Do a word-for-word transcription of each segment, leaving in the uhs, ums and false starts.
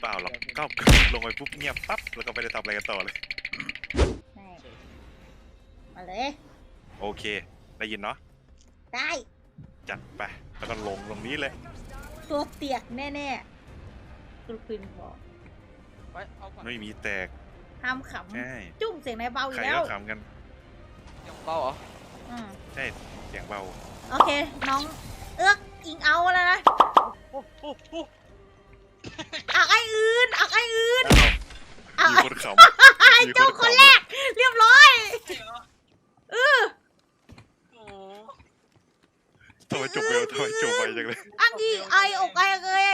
ปล่าหรอกก็ลงไปปุ๊บเงียบปั๊บแล้วก็ไม่ได้ทำอะไรกันต่อเลยมาเลยโอเคได้ยินเนาะได้จัดไปแล้วก็ลงตรงนี้เลยตัวเตียกแน่ๆกรุปินบอกไม่มีแตกห้ามขำจุ้มเสียงในเบาอีใครกแล้วก็ขำกันเสียงเบาเหรออืมใช่เสียงเบาโอเคน้องเอื้อกอิงเอาแล้วนะอักไออื่นอักไออื่นมีคนขำไอเจ้าคนแรกเรียบร้อยเออทำไมจบเร็วทำไมจบไปจังเลยอังอีไออกไอเลย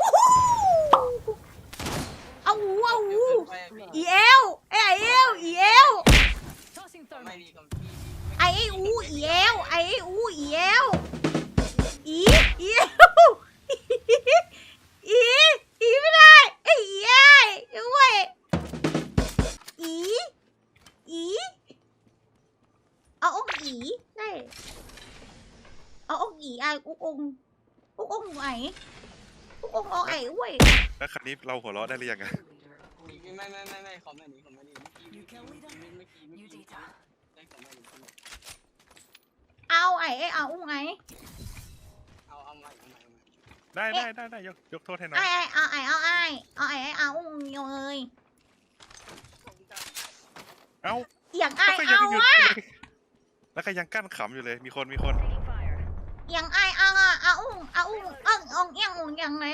เอาหูเอาหูอีเอลไอเอลอีเอลไอไออูอีเอลไอไออูอีเอลอีอีเอลอีอีไม่ได้ไออีไอด้วยอีอีเอาองอีได้เอาองอีไออุกองอุกองไหนอุกองเอาไอเว้ยแล้วครั้นี้เราหัวเราะได้หรือยังไงไม่ไม่ไม่ไม่ขอมาหนีขอมาหนีเมื่อกี้เมื่อกี้เมื่อกี้เมื่อกี้ได้ขอมาหนีเอาไอเอาอุ้งไอเอาเอาใหม่เอาใหม่ได้ได้ได้ได้ยกยกโทษให้น้องไอไอเอาไอเอาไอเอาไอเอาอุ้งเลยเอาอย่างไอเอาอะแล้วก็ยังกั้นขำอยู่เลยมีคนมีคนอย่างไอเอาอะเอาอุ้งเอาอุ้งเอิงองยังองยังไง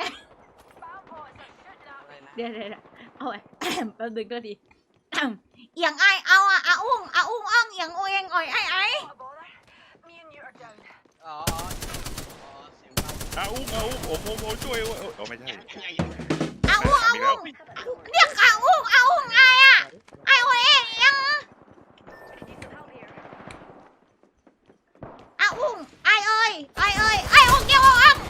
เดี๋ยวเดี๋ยวเอาไว้แป๊บนึงก็ดีอย่างไอเอาอะเอาอุ้งเอาอุ้งเอิงอย่างโอยงอ่อยไอไออ๋อเอาอุ้งเอาอุ้งโอ้โหโอ้ช่วยโอ้ไม่ใช่เอาอุ้งเอาอุ้งเรียกเอาอุ้งเอาอุ้งไออะไอโอยงยังเอาอุ้งไอเอ้ยไอเอ้ยไออุ้งเกี่ยวอุ้ง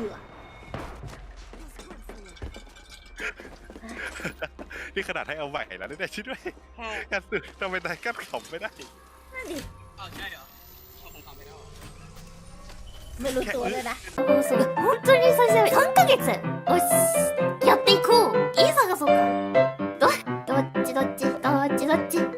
นี่ขนาดให้เอาใหม่แล้วได้ชิดด้วยกันตื่นทำไมได้กั้นขำไม่ได้นั่นดิอ๋อใช่เหรอผมขำไม่ได้ไม่รู้ตัวเลยนะ本当に最初はさんかげつおしやっていこういい探そうかどどっちどっちどっちどっち